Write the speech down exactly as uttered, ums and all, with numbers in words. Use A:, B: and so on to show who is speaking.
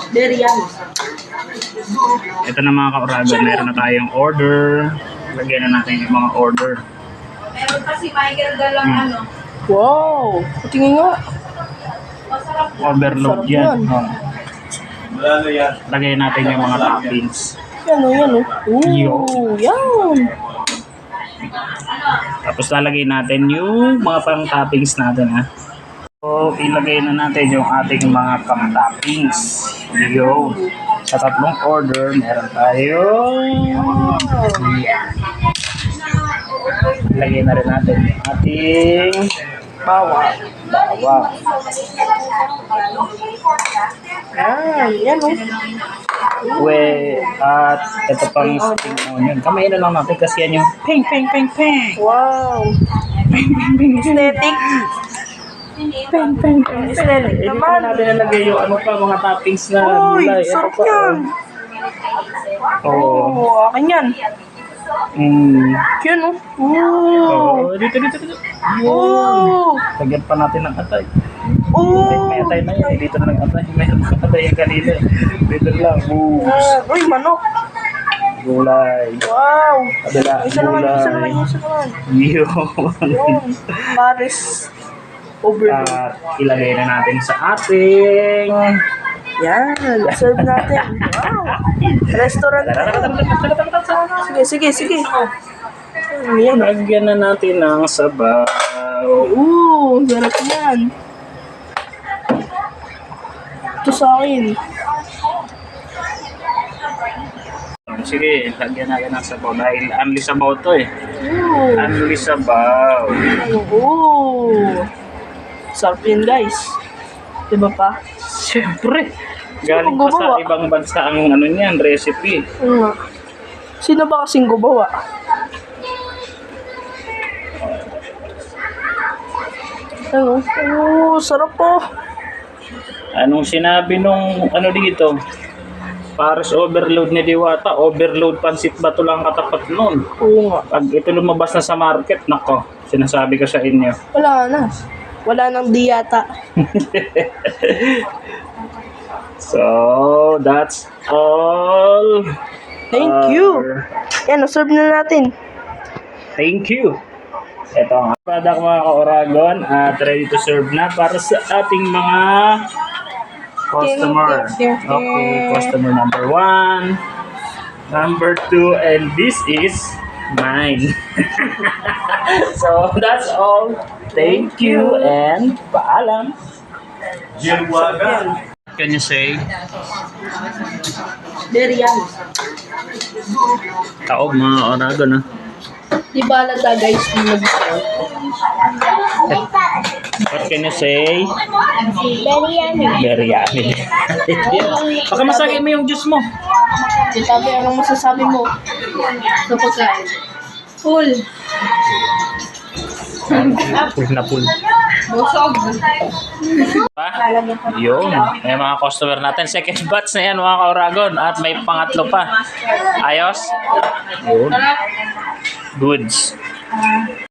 A: Very yummy.
B: Ito na mga ka-Oragon, meron na tayong order. Lagyan na natin yung mga order.
A: Meron pa si Michael dalang
B: Hmm.
A: ano.
C: Wow! Tingin nga.
A: Masarap na.
B: Overload
C: Sarap
B: yan.
C: yan.
B: Oh. Lagay natin yung mga toppings.
C: Yan o, yan o.
B: Yo.
C: Ooh, yan.
A: Ano?
B: Tapos lalagay natin yung mga pang-toppings natin, ha. So, ilagay na natin yung ating mga pang-toppings. Yo. Sa tatlong order, meron tayong... Yeah. Ilagay na rin natin yung ating
C: Bawang.
B: bawang.
C: Yan, yan o.
B: We, at ito pang spring onion. Kamay na lang natin kasi yan yung ping, ping, ping, ping.
C: Wow. Aesthetic.
B: Ping, ping, ping,
C: Aesthetic
B: Hindi
C: naman.
B: pa natin nalagay yung ano pa, mga toppings na
C: Uy,
B: gulay. Ito
C: sarap
B: pa,
C: yan.
B: oh. Oo.
C: Oo, akin yan.
B: Mm.
C: Yan o.
B: Oo.
C: Ooh.
B: Dito, dito, dito. Yun.
C: Ooh.
B: Lagyan pa natin ng atay. May,
C: Ooh.
B: may atay na yan. eh. Dito na ng atay. May atay yung kanina. eh. Dito lang. Ooh.
C: Ah, uy, manok.
B: Gulay.
C: Wow.
B: Kabila.
C: Isa naman, isa naman,
B: Gulay.
C: isa naman.
B: Yun.
C: Yun. Paris. Overload.
B: At ilagay na natin sa ating...
C: Yan. Serve natin. Wow. Restaurant. Sige, sige, sige. Yan.
B: Lagyan na natin ng sabaw.
C: Ooh, sarap yan. Ito sa akin.
B: Sige, lagyan natin ng sabaw dahil unli sabaw to eh.
C: Ooh.
B: Unli sabaw.
C: Ooh. Sarap yan, guys. Diba pa?
B: Siyempre. Galing pa sa
C: gumawa?
B: ibang bansa ang ano niyan, recipe.
C: Oo nga. Sino ba kasing gumawa? Ano? Oo, sarap po.
B: Anong sinabi nung ano dito? Paris overload ni Diwata, overload pansit ba to lang katapat nun?
C: Oo nga.
B: Pag ito lumabas na sa market, nako, sinasabi ko sa inyo.
C: Wala na. Wala nang diyata.
B: So, that's all.
C: Thank
B: Uh,
C: you. Yan, serve na natin.
B: Thank you. Ito ang product mga ka-Oragon at ready to serve na para sa ating mga customer. Okay, customer number one, number two, and this is mine. So, that's all. Thank you and paalam. Can you say?
A: Very yummy.
B: Taob mga Oragon, ha?
C: Di ba alata, guys, kung nag-sell?
B: What can you say?
A: Very yummy.
B: Very yummy. Baka masagay mo yung juice mo.
C: Sabi, anong masasabi mo?
A: Sa pagkain. Full.
B: Full na full.
A: Busog.
B: Pa? Yun. May mga customer natin. Second batch na yan mga ka-Oragon. At may pangatlo pa. Ayos? Yun. Goods.